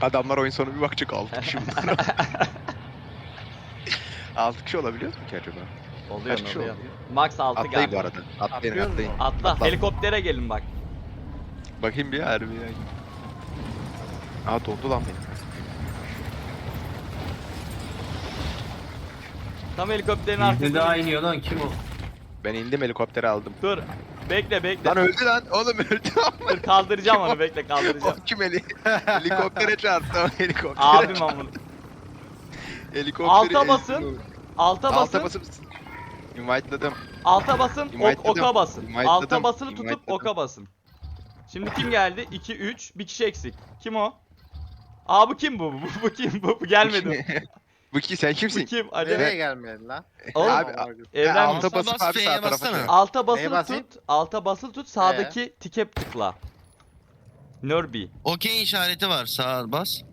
Adamlar oyun sonu bir bakacak 6 kişi bunlar. 6 kişi olabiliyor mu ki acaba? Oluyor Kaç kişi oluyor. oluyor? Max 6 Atlayın galiba. bu arada. Atlayın Atlıyoruz atlayın. mu? Atla. Helikoptere gelin bak. Bakayım bir harbi ya. Aa dondu lan benim. Tam helikopterin Bir arkasında. daha iniyor lan, kim o? Ben indim helikopteri aldım. Dur. Bekle bekle. Lan öldü lan. Oğlum öldü ama. Dur kaldıracağım Kim o? onu, bekle kaldıracağım. O kim helikoptere çarptı o helikoptere. Abim amına. Helikopteri Alta basın. Alta Alta basın. basıp invite'ladım. Alta basın. Invite'ladım. Oka basın. Invite'ladım. Alta basılı tutup Invite'ladım. oka basın. Şimdi kim geldi? 2 3 bir kişi eksik. Kim o? Aa bu kim bu? Bu kim bu? Bu gelmedi. Bu ki sen Bu kimsin? kim? Hadi. Nereye gelmedin lan? Oğlum, Abi, Evren alta basıp bas, abi F'ye sağ tarafa bassana. dön. alta basılı basayım? tut. Alta basılı tut. Sağdaki tike tıkla. Nörbi. Okey işareti var. Sağa bas.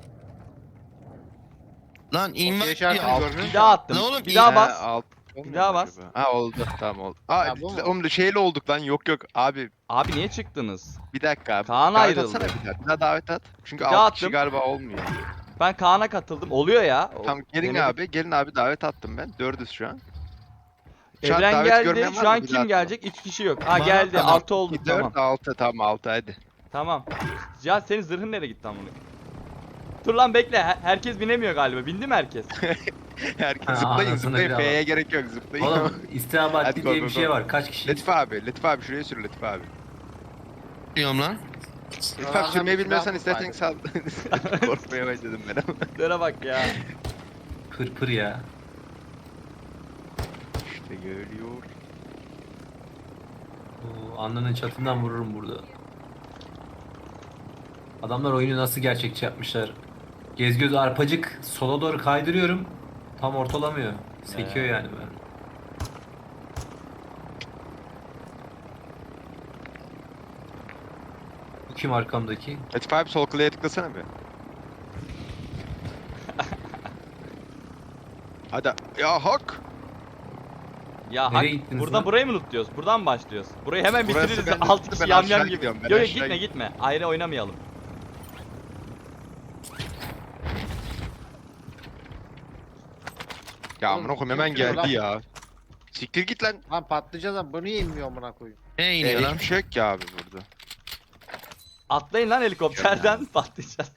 Lan invite işaretini diyor. görmüyor Bir daha attım. Ne oğlum, Bir daha iyi. bas. Bir daha bas. Ha oldu tamam oldu. Aa Ha, bu mu? oğlum şeyle olduk lan yok abi Abi niye çıktınız? bir dakika abi. Kaan Davet ayrıldı. atsana bir daha davet at. Çünkü Bir daha 6 kişi attım. galiba olmuyor. Ben Kaan'a katıldım. Oluyor ya. Tamam gelin Denedik. gelin abi davet attım ben. 4'üz şu an. Şu an Evren davet geldi. görmeyen var Şu an mı? Bir kim daha gelecek? 3 kişi yok. Ha Bana geldi. tamam. 6 olduk, 4 tamam. 6 tamam 6 hadi. Tamam. Ya senin zırhın nereye gitti lan bunu? Dur lan bekle. Herkes binemiyor galiba. Bindi mi herkes? Herkes Ha, zıplayın anasını zıplayın. bir F'ye gerek yok zıplayın. Oğlum istihbarat Hadi diye go, bir go, şey go. var. Kaç kişi? Latif abi şuraya sür Latif abi. diyorum lan. Latif abi sürmeyi bilmiyorsan istersen sal. Korkmaya başladım ben ama. Şuna bak ya. Pır pır ya. İşte geliyor. Oo, alnının çatından vururum burada. Adamlar oyunu nasıl gerçekçi yapmışlar. Gez göz arpacık sola doğru kaydırıyorum. Tam ortalamıyor. Sekiyor yani ben. Bu kim arkamdaki? Latif abi sol klavye tıklasana bir. Hadi. Ya hak. Ya Nereye hak, gittiniz buradan lan? burayı mı lootluyoruz? Buradan mı başlıyoruz? Burayı hemen Burası bitiririz. ben 6 lootu, kişi ben yam aşağı yam gibi. gidiyorum, ben Yok aşağı gitme gitme. Ayrı oynamayalım. Ya Oğlum, amına koyayım hemen kim sürüyor geldi lan? ya. Siktir git lan. Lan patlayacağız lan, bu niye inmiyor amına koyayım? Ne iniyor lan? Hiçbir şey yok ki abi burada. Atlayın lan helikopterden patlayacağız.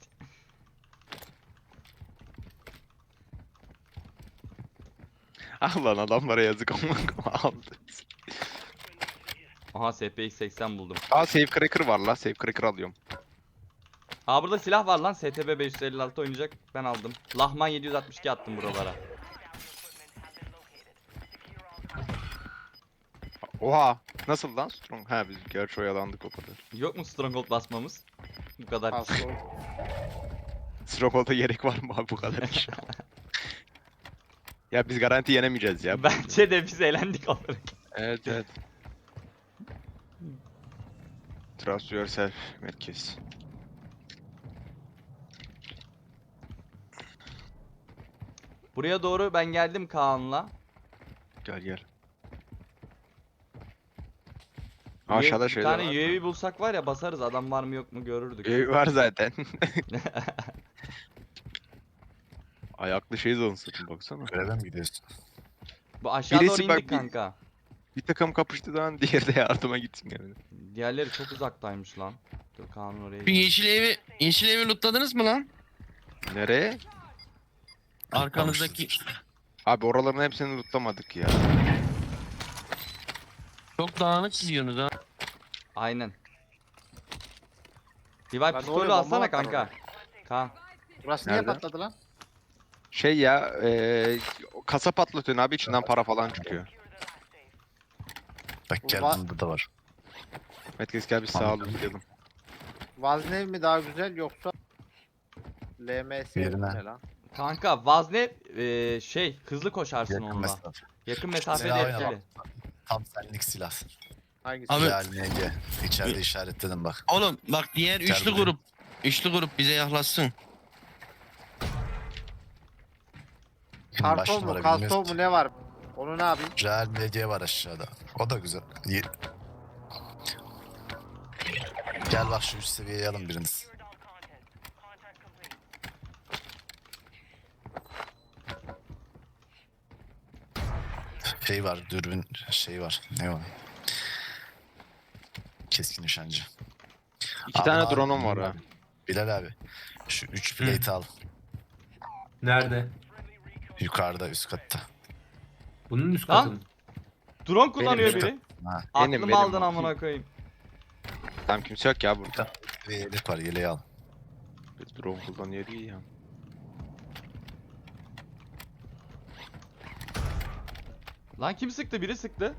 Ah lan adamlara yazık amına aldı. Aha SPX 80 buldum. Aa save cracker var la save cracker alıyorum. Aa burada silah var lan. STB 556 oynayacak. Ben aldım. Lahman 762 attım buralara. Oha nasıl lan strong? Ha biz gerçi oyalandık o kadar. Yok mu stronghold basmamız? Bu kadar. Hasta ol. Stronghold'a gerek var mı abi bu kadar iş? Ya biz garanti yenemeyeceğiz ya. Bence de biz eğlendik olarak. Evet evet. Trust yourself merkez. Buraya doğru ben geldim Kaan'la. Gel gel. Aşağıda Bir şeyler tane var. UAV bulsak var ya, basarız, adam var mı yok mu görürdük. Var zaten. Ayaklı şey zonsun baksana. Göreve mi gidiyorsun? Bu aşağı Birisi doğru bak, indik bir- kanka. Bir takım kapıştı zaman diğeri de yardıma gitsin yani. Diğerleri çok uzaktaymış lan. Dur Kaan'ın oraya Bir gidelim. yeşil evi lootladınız mı lan? Nereye? Arkanızdaki Abi oraların hepsini lootlamadık ya. çok dağınık gidiyorsunuz ha. Aynen. Revive Lan pistolü oraya alsana bomba atar kanka. Kaan. Burası niye Nerede? patladı lan? Şey ya, kasa patlatıyorsun abi içinden para falan çıkıyor. Bak gel Va- bunun burada var. Metkes gel bir sağ Tamam. lootlayalım. Vaznev mi daha güzel yoksa LMS mi Yerine. ne lan? Kanka Vazne şey hızlı koşarsın Yakın onunla. mesafe. Yakın mesafede Silah etkili. oyna Tam senlik silah. Hangisi? Abi- Real MG. İçeride işaretledim bak. Oğlum bak diğer üçlü Gel grup. Üçlü grup bize yaklaşsın. Kim baş Karton mu, numara kaston bilmiyoruz mu ki. ne var? Onu ne yapayım? Real MG var aşağıda. O da güzel. Gel bak şu üst seviyeye alın biriniz. Şey var, dürbün şey var. Ne o? Keskin nişancı. 2 tane Abi, drone'um var ha. Bilal abi. Şu 3 plate al. Nerede? Yukarıda üst katta. Bunun üst Lan! katı mı? Drone kullanıyor benim. biri. Ha. Benim, Aklımı aldın benim. amına koyayım. Tamam kimse yok ya burada. Bir yelek var, yeleği al. Bir drone kullanıyor iyi ya. Lan kim sıktı? Biri sıktı.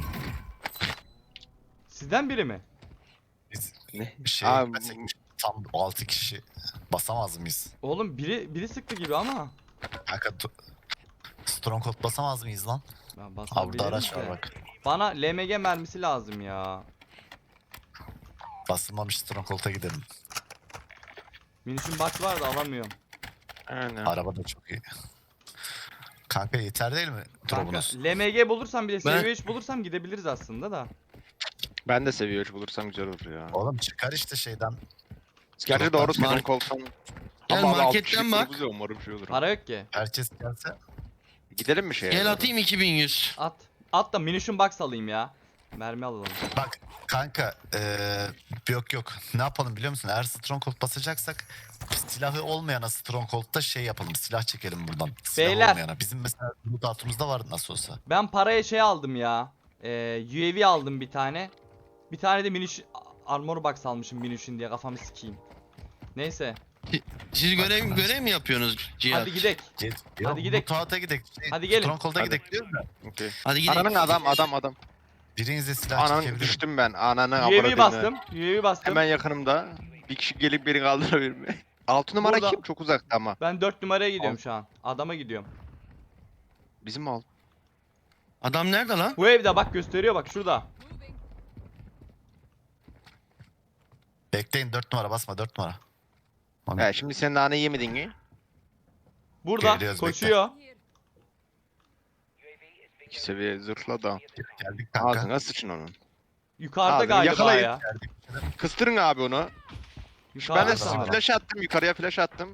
Sizden biri mi? Biz Ne? bir şey Aa, yapmasak tam 6 kişi basamaz mıyız? Oğlum biri sıktı gibi ama. Kanka Stronghold basamaz mıyız lan? Ben Aa, basabilirim burada araç var de. bak. Bana LMG mermisi lazım ya. Basılmamış Stronghold'a gidelim. Minişin box var da alamıyorum. Aynen. Araba da çok iyi. Kanka yeter değil mi? Kanka, Drop'unuz. LMG bulursam bir de Ben- seviye 3 bulursam gidebiliriz aslında da. Ben de seviye 3 bulursam güzel olur ya. Oğlum çıkar işte şeyden. Gerçi doğru Mark- drone kolsam. Gel Ama abi, altı marketten kişilik bak. grubuz ya, umarım şey olur. Para yok ki. Herkes gelse. Gidelim mi şeye? Gel doğru? atayım 2100. At. At da minişin box alayım ya. Mermi alalım. Bak kanka yok. Ne yapalım biliyor musun? Eğer Stronghold basacaksak silahı olmayana Stronghold'da şey yapalım. Silah çekelim buradan. Silah Beyler. olmayana. Bizim mesela loadout'umuzda vardı nasıl olsa. Ben paraya şey aldım ya. UAV aldım bir tane. Bir tane de miniş armor box almışım minişin diye kafamı sikeyim. Neyse. Siz görev mi yapıyorsunuz Cihat? Hadi gidek. Hadi gidelim. Loadout'a gidelim. Hadi gelin. Stronghold'a Hadi. gidelim diyorum da. Okey. Hadi gidelim. Ananın adam. Birinize silah Ananın çekebilirim. düştüm ben. Ananı UAV avradını. bastım. UAV bastım. Hemen yakınımda. Bir kişi gelip beni kaldırabilir mi? 6 numara Burada. kim? Çok uzakta ama. Ben 4 numaraya gidiyorum Al. şu an. Adama gidiyorum. Bizim alt. Adam nerede lan? Bu evde bak gösteriyor bak şurada. Bekleyin 4 numara basma 4 numara. He şimdi sen nane yemedin mi? Burada Geliyoruz, koşuyor. 2 seviye zırhla da. Geldik kanka. Ağzına sıçın onun. Yukarıda Abi, galiba yakalayın. ya. Kıstırın abi onu. Ben Yukarıda de Tamam. flash attım. Yukarıya flash attım.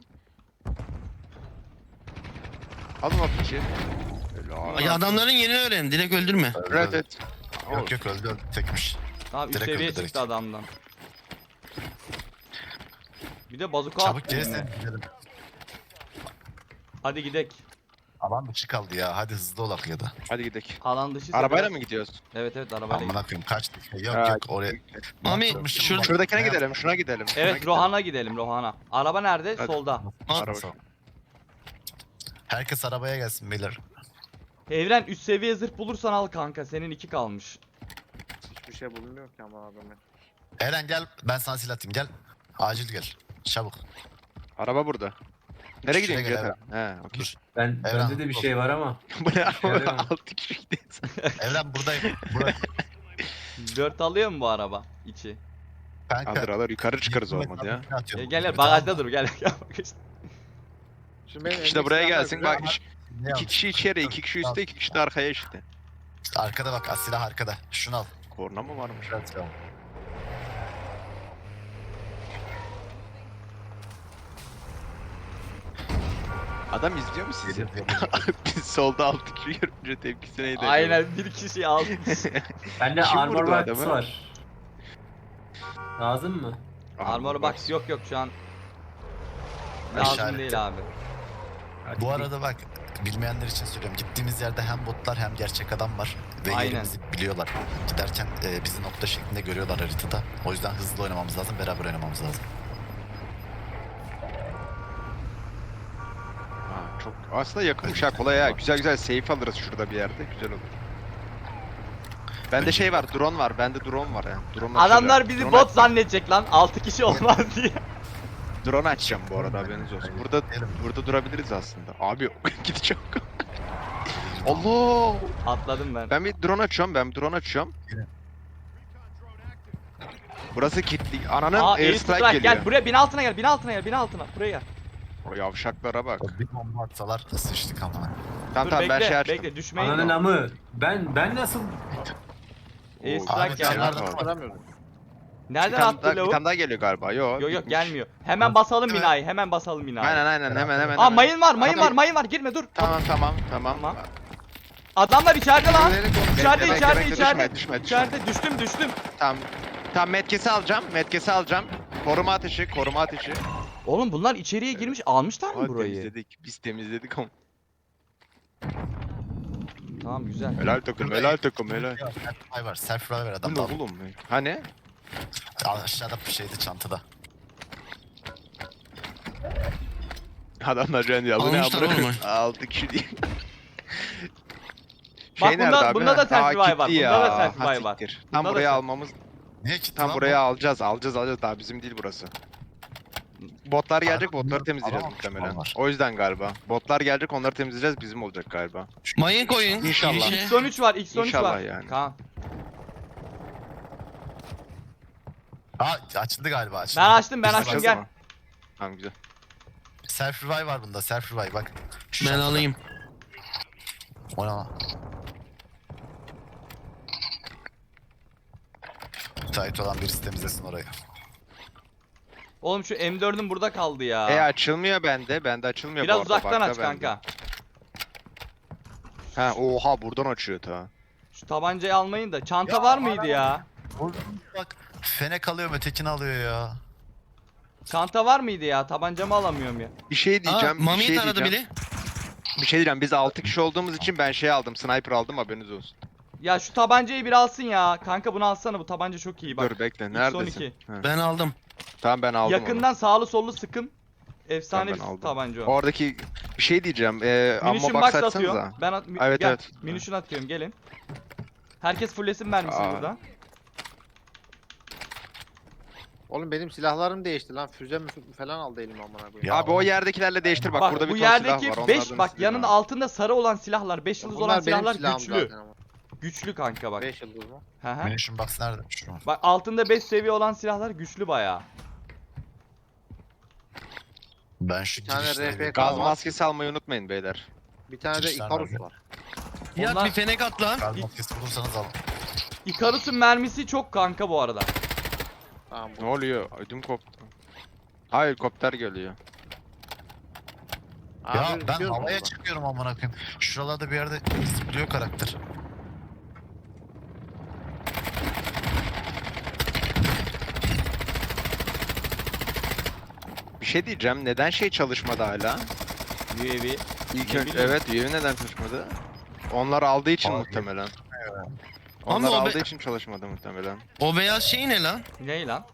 Alın o piçi. Ay, adamların yerini öğren. Direkt öldürme. Evet evet. Yok öldü tekmiş. Abi üst Direkt seviye öldü, direkt. çıktı adamdan. Bir de bazuka Çabuk attı eline. gelirsen gidelim. Hadi gidek. Alan dışı kaldı ya. Hadi hızlı olak ya da. Hadi gidelim. Alan dışı. Arabayla mı gidiyoruz? Evet arabayla. Amına koyayım kaç dakika. Yok Ha, yok oraya. Mami, Yaptırmışım şurada- bak. Şuradakine Ne gidelim. Şuna gidelim. şuna Evet gidelim. Rohan'a gidelim Rohan'a. Araba nerede? Hadi. Solda. Araba. Herkes arabaya gelsin beyler. Evren üst seviye zırh bulursan al kanka. Senin 2 kalmış. Hiçbir şey bulunmuyor ki ama adamı. Eren gel ben sana silah atayım gel. Acil gel. Çabuk. Araba burada. Nereye Şuraya gidiyorsun gel Gökhan? He okey. Dur. Bende Evren, de bir dur. şey var ama. Bu ne Şöyle araba? mi? 6 kişi gidiyoruz. Eren buradayım. Burada. 4 alıyor mu bu araba içi? Kanka. Alır alır yukarı çıkarız olmadı ya. Atıyorum. Gel Bir bagajda tane dur gel. Gel bak işte. Şimdi benim İşte buraya elimdeki gelsin silahlar bak. güzel Ne 2 al? kişi içeri, 2 kişi üstte, 2 kişi de arkaya işte. Arkada bak silah arkada. Şunu al. Korna mı varmış? Güzel silah. Adam izliyor mu sizi? Geliyor, geliyor. Biz solda 6 kişi görünce tepkisi neydi? acaba? Aynen bir kişi almış. Bende Kim armor vurdu box adamı? var. Lazım mı? Armor box yok şu an. İşaret. Lazım değil abi. Hadi Bu arada bak bilmeyenler için söylüyorum. Gittiğimiz yerde hem botlar hem gerçek adam var. Ve Aynen. yerimizi biliyorlar. Giderken bizi nokta şeklinde görüyorlar haritada. O yüzden hızlı oynamamız lazım. Beraber oynamamız lazım. Ha, çok aslında yakınmış ha kolay ha. Güzel güzel safe alırız şurada bir yerde. Güzel olur. Bende şey var, drone var. Bende drone var ya. Drone Adamlar bizi drone bot açacağım. zannedecek lan. 6 kişi olmaz diye. Drone açacağım bu arada haberiniz olsun. Burada durabiliriz aslında. Abi gideceğim. Allah! Atladım ben. Ben bir drone açıyorum. Burası kilitli. Ananın Aa airstrike airstrike geliyor. gel buraya bin altına gel bin altına buraya gel. O yavşaklara bak. Bir bomba atsalar sıçtık ama. Tamam Dur tamam ben bekle şey açtım. bekle düşmeyin. Ananın amı. Ben nasıl Airstrike Abi, geldi. kenarda var. Aramıyorum. Nereden Bir attı tane lavuk? daha geliyor galiba. Yok. Yok gelmiyor. Hemen basalım binayı hemen basalım binayı. Aynen hemen. Aa mayın var Adam- mayın var girme dur. Tamam. Tamam. Adamlar içeride lan. İçeride Bekle, içeride bekle, içeride. düşme. İçeride düştüm. Tam metkesi alacağım. Koruma ateşi. Oğlum bunlar içeriye girmiş almışlar mı Aa, burayı? temizledik. Biz temizledik ama. Tamam güzel. Helal takım. Ay var. Self revive ver Bu adam ne da. oğlum? Hani? Aşağıda bir şeydi çantada. Adamlar rendi aldı. Ne Almışlar yapıyor? oğlum. 6 kişi değil. Bak nerede bunda- abi? bunda da Ha, self revive var, gitti bunda da ya. self Ha, revive var. siktir. Bunda Tam da buraya self- almamız. Niye gitti Tam lan buraya bu? alacağız. Daha bizim değil burası. Botlar gelecek, botları bunlar temizleyeceğiz alamamış muhtemelen. onlar. O yüzden galiba. Botlar gelecek, onları temizleyeceğiz, bizim olacak galiba. Mayın koyun. İnşallah. girişe. X13 var, X13 İnşallah var. yani. Kaan. Açıldı galiba açıldı. Ben açtım Biz açtım Açacağız gel. mı? Tamam güzel. Self revive var bunda. Self revive bak. Şu Ben çantada. alayım. O ne lan? Müsait olan birisi temizlesin orayı. Oğlum şu M4'üm burada kaldı ya. Açılmıyor bende. Bende açılmıyor Biraz bu arada. uzaktan Bak da aç bende. kanka. Ha oha buradan açıyor ta. Şu tabancayı almayın da. Çanta Ya, var mıydı ya? Bak fenek alıyor ötekini alıyor ya. Çanta var mıydı ya? Tabancamı alamıyorum ya. Bir şey Aa, diyeceğim. Mami'yi bir şey taradı diyeceğim. biri. Bir şey diyeceğim. Biz 6 kişi olduğumuz için ben şey aldım. Sniper aldım, haberiniz olsun. Ya şu tabancayı bir alsın ya. Kanka bunu alsana, bu tabanca çok iyi bak. Dur bekle. Neredesin? X12. Ha. Ben aldım. Tamam ben aldım Yakından sağlı sollu sıkın. Efsane Tamam, ben bir aldım. tabanca onu. o. Oradaki bir şey diyeceğim. Ammo Munition box box açsanıza. atıyorum. Ben Evet, gel. evet. Munition atıyorum, gelin. Herkes fulllesin mermisini Aa. burada. Oğlum benim silahlarım değişti lan. Füze falan aldı elime amına koyayım. Ya Abi o oğlum. yerdekilerle değiştir bak, Bak burada bir bu ton silah yerdeki var. 5 onlardan bak istediğim yanında var. altında sarı olan silahlar, 5 yıldız olan Bunlar benim silahlar silahım güçlü. zaten ama. Güçlü kanka bak. 5 yıldız mı? Hı hı. Munition box nerede? Şu. Bak altında 5 seviye olan silahlar güçlü bayağı. Ben şu Bir tane girişlere RP bir- Gaz var. maskesi almayı unutmayın beyler. Bir tane de Girişler Icarus nerede? var. Ya Onlar- bir fenek at lan. Gaz maskesi bulursanız alın. Icarus'un mermisi çok kanka bu arada. Tamam Ne bu. oluyor? Ödüm koptu. Hayır, helikopter geliyor. Abi, Ya ben gidiyorum havaya orada. çıkıyorum amına koyayım. Şuralarda bir yerde zıplıyor karakter. Bir şey diyeceğim. Neden şey çalışmadı hala? UAV. İlk Ne önce bileyim. evet, üyevi neden çalışmadı? Onlar aldığı için Abi. muhtemelen. Ama Onlar o be- aldığı için çalışmadı muhtemelen. O beyaz şey ne lan? Ne lan?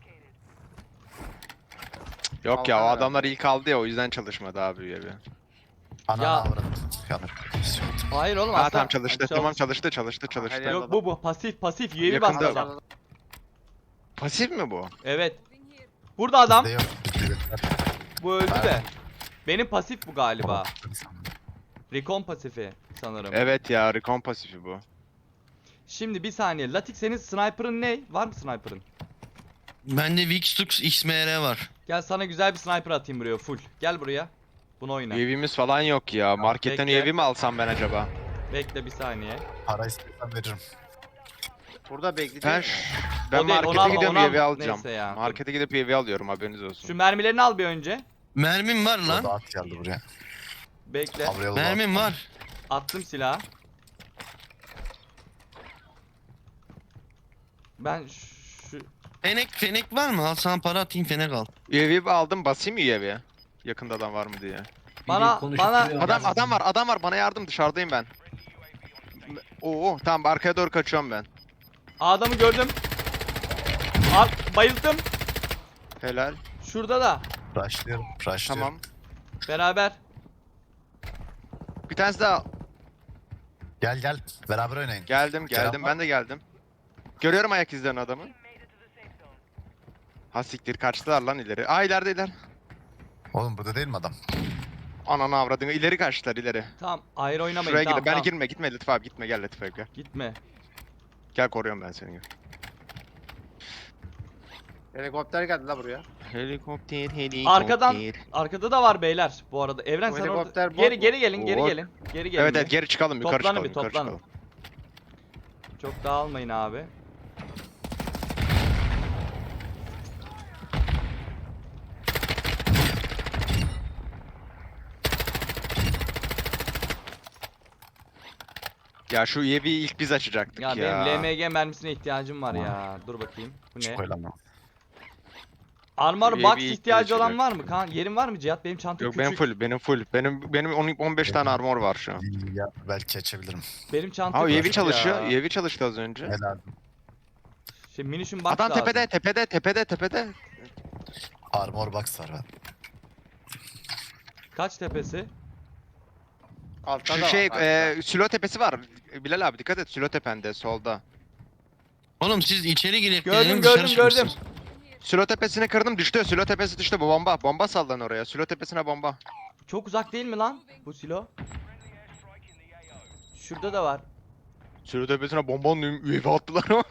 Yok ya, o Aldılar adamlar ilk aldı ya, o yüzden çalışmadı abi üyevi. Ananı Ya- avradım. Yanır. Hayır oğlum Ha aslında. tamam çalıştı. Çalış- Tamam çalıştı. Her yer- Yok bu pasif UAV Yakında bastı bak. adam. Pasif mi bu? Evet. Burada adam. Bizde yok. Bizde yok. Bu öldü de. Pardon. Benim pasif bu galiba. Recon pasifi sanırım. Evet ya, recon pasifi bu. Şimdi bir saniye. Latik senin sniper'ın ne? Var mı sniper'ın? Bende Vixtux XMR var. Gel sana güzel bir sniper atayım buraya full. Gel buraya. Bunu oyna. UAV'miz falan yok ya. Marketten bekle. UAV mi alsam ben acaba? Bekle bir saniye. Para istiyorsan veririm. Burada Ben bekleyeceğiz. ben O değil, onu markete alma, gidiyorum, onu UAV alma. alacağım. Neyse ya. Markete gidip UAV alıyorum, haberiniz olsun. Şu mermilerini al bir önce. Mermim var O lan. da at geldi buraya. Bekle. Avrayalı Mermim var. Attım silahı. Ben şu Fenek var mı? Al sana para atayım fenek al. UAV aldım, basayım mı UAV'ye? Yakında adam var mı diye. Bana- Adam var, bana yardım, dışarıdayım ben. Oo tamam, arkaya doğru kaçıyorum ben. adamı gördüm. Bayıldım. Helal. Şurada da. Rushlıyorum. Tamam. Beraber. Bir tanesi daha. Gel. Beraber oynayın. Geldim Selam. ben de geldim. Görüyorum ayak izlerini adamı. Ha siktir, kaçtılar lan ileri. Aa iler. Oğlum burada değil mi adam? Ananı avradını, ileri kaçtılar ileri. Tamam ayrı oynamayın. Şuraya Tamam, gidip ben tamam. gitme Latif abi, gitme, gel Latif abi gel. Gitme. Gel, koruyorum ben seni. Helikopter geldi la buraya. Helikopter. Arkada da var beyler bu arada. Evren Bu sen helikopter orada. bot Geri mu? geri gelin, geri Bot. gelin. Geri gelin. Evet bir. evet, geri çıkalım, yukarı Toplanın çıkalım, bir, yukarı toplanın. çıkalım. Çok dağılmayın abi. Ya şu UAV'yi ilk biz açacaktık Ya ya. benim LMG mermisine ihtiyacım var ya. Dur bakayım. Bu ne? Hiç koyulamam. Armor UAV box ilk ihtiyacı olan açacak. var mı? Kan yerin var mı Cihat? Benim çanta Yok küçük. benim full. Benim 15 tane armor var şu an. Ya belki açabilirim. Benim çanta Ha UAV küçük çalışıyor. ya. UAV çalıştı az önce. Helal. Şey minişin box Adam lazım. tepede. Armor box var ben. Kaç tepesi? Altta Şu da şey var. Sülo tepesi var. Bilal abi dikkat et Sülo tepende solda. Oğlum siz içeri girip Gördüm, gelin, gördüm, dışarı gördüm. çıkmışsınız. Sülo tepesini kırdım düştü. Sülo tepesi düştü. Bu bomba. Bomba sallan oraya. Sülo tepesine bomba. Çok uzak değil mi lan bu silo? Şurada da var. Sülo tepesine bombanın UAV attılar ama.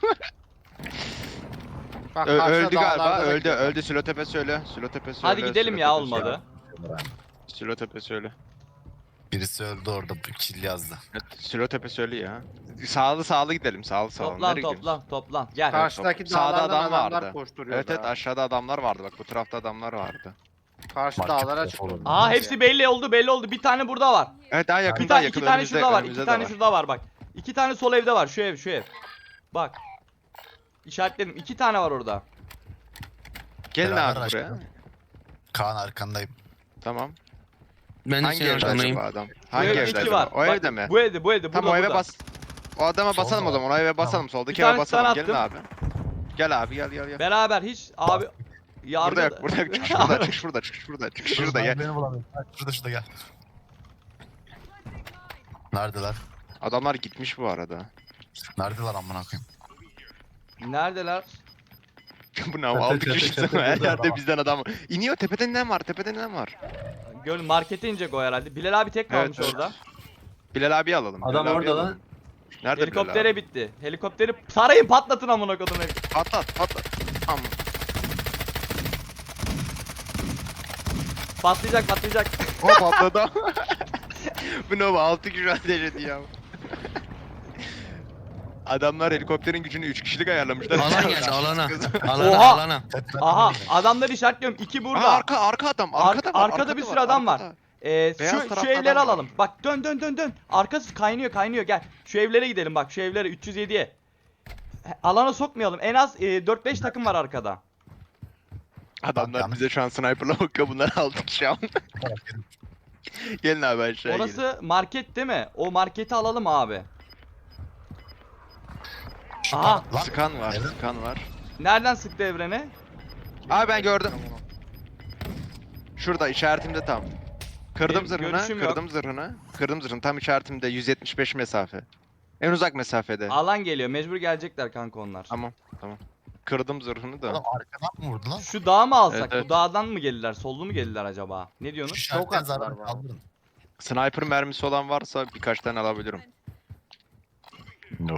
Bak, karşıda Öldü galiba. dağlarda da gidiyorlar. Öldü. Sülo tepesi öyle. Sülo tepesi Hadi öyle, gidelim Sülo ya tepesi olmadı. öyle. Sülo tepesi öyle. Birisi öldü orada. Bir kill yazdı. Evet, Sülo tepesi öyle ya. Sağlı gidelim. Sağlı. Toplan Nereye gidiyoruz? toplan. Gel. Karşıdaki Sağda dağlardan adam adamlar vardı. koşturuyor. Evet evet aşağıda adamlar vardı. Bak bu tarafta adamlar vardı. Karşı Market dağlara defol çıkıyor. Aa hepsi belli oldu. Bir tane burada var. Evet daha yakın Bir daha tane yakın. iki tane önümüzde- şurada var. önümüzde İki de tane var. şurada var bak. İki tane sol evde var. Şu ev. Bak. İşaretledim. İki tane var orada. Gelin Beraber abi buraya. aşağıda. Kaan arkandayım. Tamam. Ben de Hangi senin evde arkandayım. acaba adam? Bu Hangi evde evde iki acaba? var. O Bak, evde mi? Bu evde. Burada. Tamam o eve burada. bas. O adama Sol basalım o mu? zaman. O eve basalım. Tamam. Soldaki Bir eve tane stun basalım. Gelin attım. abi. Gel abi gel. Beraber hiç abi. Burada Yargı... yok. Burada yok. Çık şurada. Çık şurada. Çık şurada. Gel. Beni bulamıyorum. Şurada gel. Neredeler? Adamlar gitmiş bu arada. Neredeler amına koyayım? Neredeler? Bu ne abi? Çatı, 6 çatı, kişi çatı, her burada yerde adam. bizden adam. İniyor tepeden ne var? Tepeden ne var? Gör markete inecek o herhalde. Bilal abi tek kalmış Evet, orada. Bilal abi alalım. Adam Bilal abi orada lan. alalım. Nerede Bilal Helikoptere abi? bitti. Helikopteri sarayın patlatın amına kodum. Patlat. Tamam. Patlayacak. O patladı. Bu ne bu? 6 kişi ateş ediyor. Adamlar helikopterin gücünü 3 kişilik ayarlamışlar. Alan geldi alana. Oha! Alana. Aha adamları işaretliyorum. İki burada. Arka adam. Arkada var. Arkada bir sürü adam var. arkada. Şu tarafta evleri adam var. alalım. Bak dön. Arkası kaynıyor gel. Şu evlere gidelim bak. Şu evlere 307'ye. Alana sokmayalım. En az 4-5 takım var arkada. Adamlar bize şu an sniper'la bakıyor. Bunlar 6 kişi ama. Gelin abi aşağıya gelin. Orası market değil mi? O marketi alalım abi. Aha. Lan, Skan var. Evet. Skan var. Nereden sıktı evrene? Abi ben gördüm. Şurada işaretimde tam. Kırdım Benim zırhını. görüşüm yok. Kırdım zırhını. Tam işaretimde 175 mesafe. En uzak mesafede. Alan geliyor. Mecbur gelecekler kanka onlar. Tamam. Kırdım zırhını da. Oğlum arkadan mı vurdu lan? Şu dağı mı alsak? Evet, evet. Bu dağdan mı gelirler? Sollu mu gelirler acaba? Ne Şu diyorsunuz? şarttan attılar zarar bana. kaldırın. Sniper mermisi olan varsa birkaç tane alabilirim. No.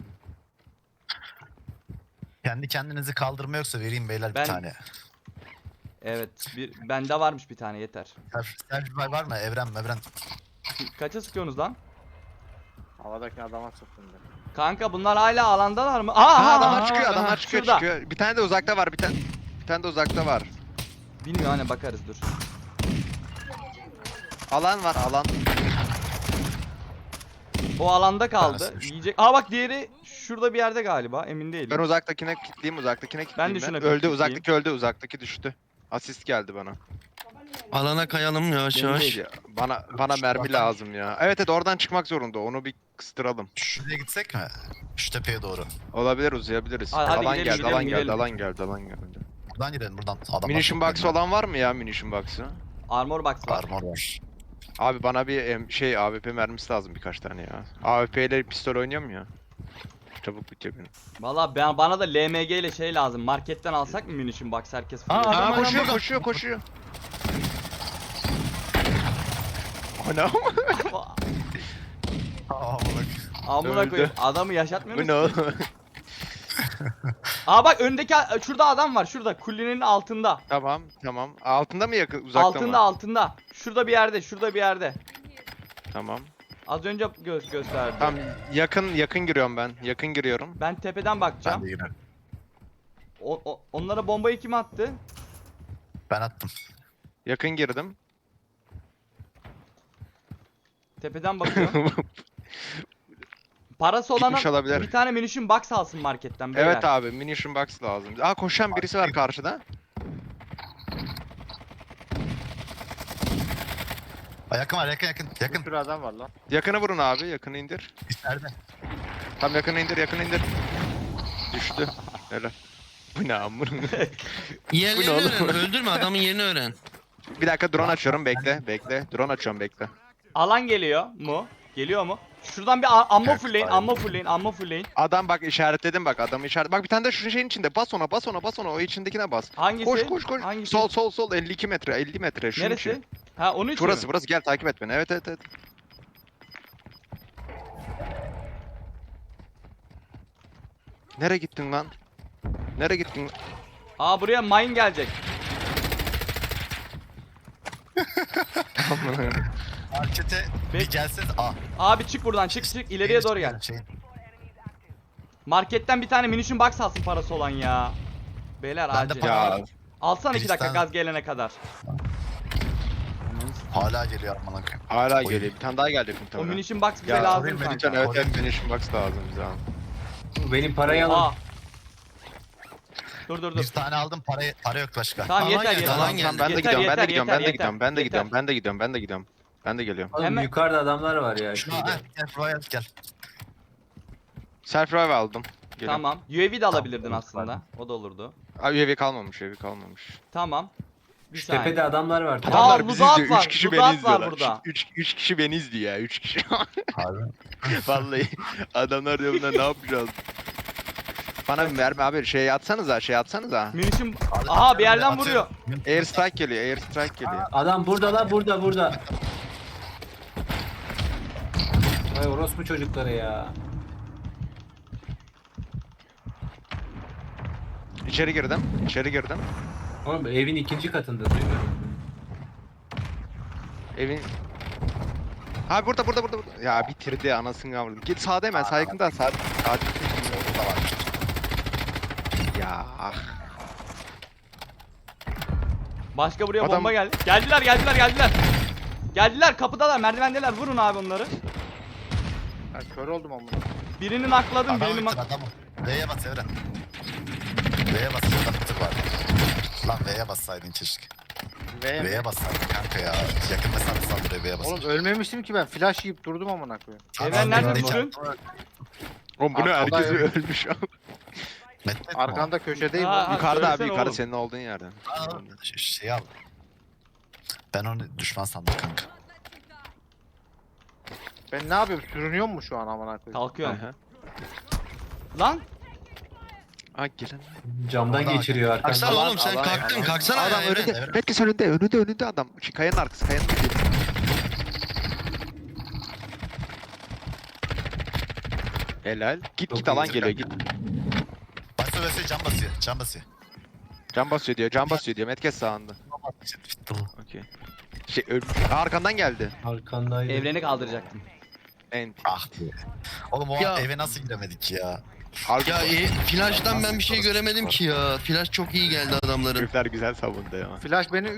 Kendi kendinizi kaldırma yoksa vereyim beyler Ben- bir tane. Evet. Bende varmış bir tane yeter. Selfie var mı? Evren. Kaça sıkıyorsunuz lan? Havadaki adama sıktım ben. Kanka bunlar hala alandalar mı? Aha, Aha, adamlar çıkıyor, aha, adamlar aha, çıkıyor, şurada. çıkıyor. Bir tane de uzakta var, bir tane de uzakta var. Bilmiyorum hani bakarız dur. Alan var, alan. O alanda kaldı. Tanesi düştü. Yiyecek. Aa bak diğeri şurada bir yerde galiba. Emin değilim. Ben uzaktakine kilitleyeyim, Ben de şuna bir Öldü, kilitleyeyim. uzaktaki öldü, uzaktaki düştü. Asist geldi bana. Alana kayalım yavaş Benim yavaş. değil ya. Bana mermi lazım ya. Evet evet oradan çıkmak zorunda. Onu bir kıstıralım. Şuraya gitsek mi? Şu tepeye doğru. Olabilir, uzayabiliriz. Hadi alan gidelim, geldi, gidelim, alan gidelim. geldi, alan geldi, alan geldi. Buradan gidelim buradan. Adamlar Munition çok box belli. olan var mı ya munition box'ı? Armor box var. Armor var. Abi bana bir AWP mermisi lazım birkaç tane ya. AWP ile pistol oynuyor mu ya? Çabuk bitiyor benim. Valla bana da LMG ile şey lazım. Marketten alsak mı munition box herkes Aa, fırlıyor. adam koşuyor, burada. koşuyor. Ana. Aa bak. Amına Öldü. koyayım. Adamı yaşatmıyor Bu musun? ne oğlum? Aa bak öndeki şurada adam var. Şurada kullenin altında. Tamam. Altında mı yakın, uzakta mı? Altında. Şurada bir yerde. Tamam. Az önce gösterdi. Tamam, yakın giriyorum ben. Yakın giriyorum. Ben tepeden Ben bakacağım. de girerim. Onlara bombayı kim attı? Ben attım. Yakın girdim. Tepeden bakıyorum. Parası Gitmiş olana olabilir. bir tane munition box alsın marketten beyler. Evet abi munition box lazım. Aa koşan birisi var karşıda. Aa, yakın var yakın. Bir sürü adam var lan. Yakını vurun abi yakını indir. İçeride. Tam yakını indir. Düştü. Helal. Bu ne amına? Yerlerini Bu ne oğlum? öğren. Öldürme adamın yerini öğren. Bir dakika drone açıyorum bekle. Drone açıyorum bekle. Alan geliyor mu? Geliyor mu? Şuradan bir ammo Evet, fullleyin, aynen. ammo fullleyin. Adam bak işaretledim bak adamı işaret. Bak bir tane de şu şeyin içinde. Bas ona o içindekine bas. Hangisi? Koş. Hangisi? Sol 52 metre 50 metre şunun Neresi? için. Ha onun için mi? Burası gel takip et beni. Evet. Nereye gittin lan? Aa buraya mine gelecek. Markete Bek- bir gelseniz. Aa. Abi çık buradan çık ileriye doğru gel. Marketten bir tane munition box alsın parası olan ya. Beyler Ben de acil. para- Ya Alsana 2 dakika Birisi gaz gelene kadar. Hala geliyor aman koyayım. hala Oy. geliyor. Bir tane daha gelecek O muhtemelen. munition box bize Ya, lazım oraya kanka. Lütfen evet munition box lazım bize abi. Benim parayı alın. Aa. Dur. Bir tane aldım para yok başka. Tamam Alan yeter geldi, yeter. alan Tamam, geldi. Ben de yeter, gidiyorum. yeter. Ben de geliyorum. Oğlum Hemen- yukarıda adamlar var ya. Şuna şurada. gel Royal gel. Self revive aldım. Geliyorum. Tamam. UAV de alabilirdin Tamam, aslında. O da olurdu. Abi UAV kalmamış. Tamam. Bir Şu saniye. tepede adamlar var. Aa, Adamlar bizi Ludat izliyor. var, 3 kişi Ludat beni var izliyorlar. burada. 3 kişi beni izliyor ya. 3 kişi. Abi. Vallahi adamlar diyor bunlar ne yapacağız? Bana bir mermi abi şey atsanıza. Munition... Aha bir yerden vuruyor. Air strike geliyor. Adam burada la burada. Vay orospu çocukları ya. İçeri girdim. Oğlum evin ikinci katında duyuyorum. Evin Ha burada. Ya bitirdi anasını avradım. Git sağda hemen sağ yakında sağ. Orada var. Ya ah. Başka buraya Adam- bomba geldi. Geldiler kapıdalar merdivendeler vurun abi onları. Ben kör oldum amına. Birini nakladım Adam birini bitir adamı. V'ye bas Evren. V'ye bas adam bitir bari. Lan V'ye bassaydın keşke. V'ye bassaydın kanka ya. Yakın mesafe saldırıyor V'ye bas. Oğlum ölmemiştim ki ben flash yiyip durdum amına koyayım. Evren nerede düştün? Oğlum bu ne Arkada herkes yok. ölmüş. Arkanda köşedeyim. Ha, oğlum. Yukarıda abi söylesene yukarıda oğlum. senin olduğun yerde. Şey al. Ben onu düşman sandım kanka. Ben ne yapıyorum? Sürünüyor mu şu an amına koyayım? Kalkıyorum. Aha. Lan Aa gelen. Camdan Oradan- geçiriyor arkamdan. Kalksana oğlum sen alan- kalktın alan- kalksana Adam ya. önünde. Evren. Herkes önünde adam. Şu kayanın arkası. Helal. Git Çok alan iyi. geliyor git. Basıyor basıyor can basıyor. Can basıyor diyor. Metkes sağında. Bitti bu. Okey. Şey ölmüş. Arkandan geldi. Arkandaydı. evreni kaldıracaktım. Ent. Ah be. Oğlum o Ya- eve nasıl giremedik ya? Ya flash'tan ben bir şey göremedim ki ya. Flash çok iyi geldi adamların. Herifler güzel savundu ya. Flash beni